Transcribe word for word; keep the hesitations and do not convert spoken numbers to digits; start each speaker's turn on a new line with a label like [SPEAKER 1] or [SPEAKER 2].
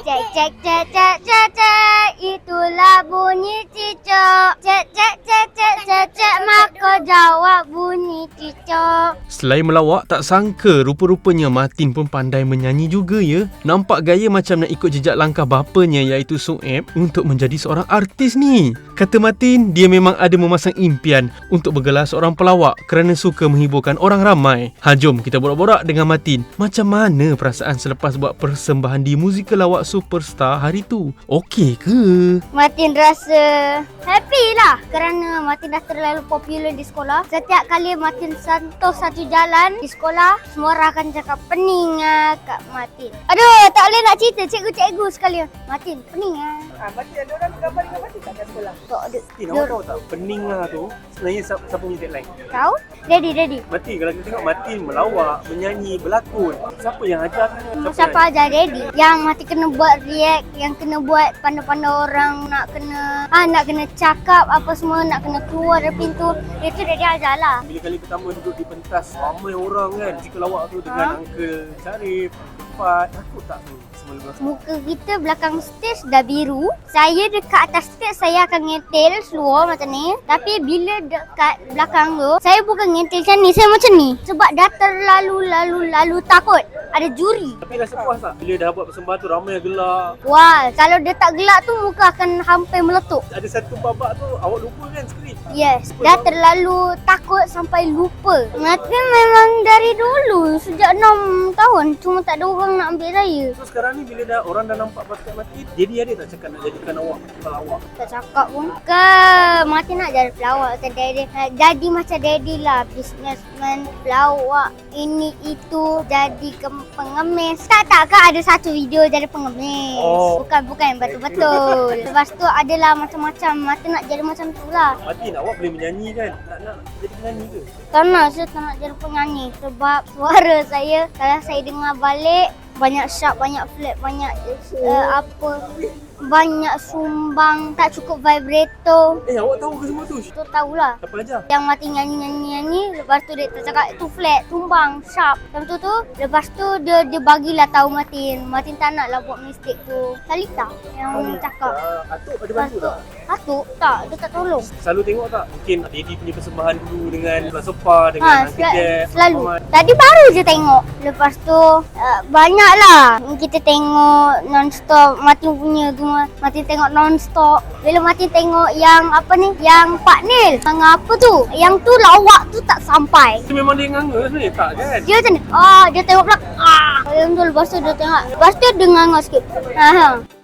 [SPEAKER 1] Cek cek cek cek cek cek, itulah bunyi cicak. Cek cek cek cek cek cek, maka jawab bunyi cicak.
[SPEAKER 2] Selain melawak, tak sangka rupa-rupanya Matin pun pandai menyanyi juga ya. Nampak gaya macam nak ikut jejak langkah bapanya iaitu Soeb untuk menjadi seorang artis ni. Kata Matin, dia memang ada memasang impian untuk bergelar seorang pelawak kerana suka menghiburkan orang ramai. Ha, jom kita borak-borak dengan Matin. Macam mana perasaan selepas buat persembahan di musikal lawak Superstar hari tu? Okey ke?
[SPEAKER 1] Matin rasa happy lah kerana Matin dah terlalu popular di sekolah. Setiap kali Matin sentuh satu jalan di sekolah, semua orang akan cakap pening lah Kak Matin. Aduh, tak boleh nak cerita cikgu-cikgu sekalian. Matin, pening lah.
[SPEAKER 3] Ah, Matin ada orang gambar dengan Matin tak kat sekolah?
[SPEAKER 1] Tak ada.
[SPEAKER 3] Matin, awak tahu tak pening lah tu sebenarnya siapa, siapa punya tagline?
[SPEAKER 1] Kau? Daddy, daddy.
[SPEAKER 3] Matin, kalau kita tengok Matin melawak, menyanyi, berlakon, siapa yang ajar? Siapa,
[SPEAKER 1] Siapa ajar daddy? Yang Matin kena buat react, yang kena buat pandai-pandai orang, nak kena ah nak kena cakap apa semua, nak kena keluar dari pintu. Itu daddy ajar lah.
[SPEAKER 3] Bila kali pertama duduk di pentas ramai orang kan, musikal lawak tu dengan
[SPEAKER 1] Ha?
[SPEAKER 3] Uncle Syarif, Fat, takut tak tu semua lepas?
[SPEAKER 1] Muka kita belakang stage dah biru. Saya dekat atas stage saya akan ngetel seluar macam ni. Tapi bila dekat belakang tu, saya bukan ngetel macam ni, saya macam ni. Sebab dah terlalu-lalu-lalu takut. Ada juri.
[SPEAKER 3] Tapi rasa puas tak? Bila dah buat persembahan tu ramai yang gelak.
[SPEAKER 1] Wah, kalau dia tak gelak tu muka akan hampir meletup.
[SPEAKER 3] Ada satu babak tu awak lupa kan skrip?
[SPEAKER 1] Yes, dah terlalu takut sampai lupa. Matin memang dari dulu, sejak enam tahun. Cuma tak ada orang nak ambil saya.
[SPEAKER 3] So sekarang ni bila dah orang dah nampak bakat Matin, jadi ada tak cakap nak jadikan awak pelawak?
[SPEAKER 1] Tak cakap pun. Ke Matin nak jadi pelawak macam daddy. Nak jadi macam daddy lah. Businessman, pelawak, ini itu, jadi ke pengemis. Tak tak ke ada satu video jadi pengemis.
[SPEAKER 3] Oh.
[SPEAKER 1] Bukan bukan yang betul-betul. Lepas tu adalah macam-macam. Matin nak jadi macam tu lah.
[SPEAKER 3] Matin, awak boleh menyanyi kan? Nak, nak jadi penyanyi ke?
[SPEAKER 1] Tak nak, saya tak nak jadi penyanyi. Sebab suara saya, kalau saya dengar balik, banyak sharp, banyak flat, banyak uh, apa, banyak sumbang, tak cukup vibrato.
[SPEAKER 3] Eh, awak tahu ke semua tu?
[SPEAKER 1] Tu tahulah.
[SPEAKER 3] Siapa ajar?
[SPEAKER 1] Yang Matin nyanyi-nyanyi-nyanyi, lepas tu dia tercakap tu flat, tumbang, sharp. Lepas tu tu, lepas tu dia dia bagilah tahu Matin. Matin tak naklah buat mistake tu. Salita yang cakap.
[SPEAKER 3] Uh, Atuk ada
[SPEAKER 1] Lepas
[SPEAKER 3] bantu
[SPEAKER 1] tu,
[SPEAKER 3] tak?
[SPEAKER 1] Atuk tak, dia tak tolong.
[SPEAKER 3] Selalu tengok tak? Mungkin Daddy punya persembahan dulu dengan Kelas Sopa, dengan
[SPEAKER 1] Ha,
[SPEAKER 3] Uncle
[SPEAKER 1] sel-
[SPEAKER 3] Jeb,
[SPEAKER 1] selalu.
[SPEAKER 3] Muhammad.
[SPEAKER 1] Tadi baru je tengok. Lepas tu uh, banyaklah kita tengok non-stop. Matin punya tu, Matin tengok non-stop. Bila Matin tengok yang apa ni, yang Pak Nil, yang apa tu, yang tu lawak tu tak sampai.
[SPEAKER 3] Itu memang dia nganga sebenarnya tak kan?
[SPEAKER 1] Dia macam ni, ah, dia tengok belakang, ah. Yang tu lepas tu dia tengok. Lepas tu dia nganga sikit. Ha, ha.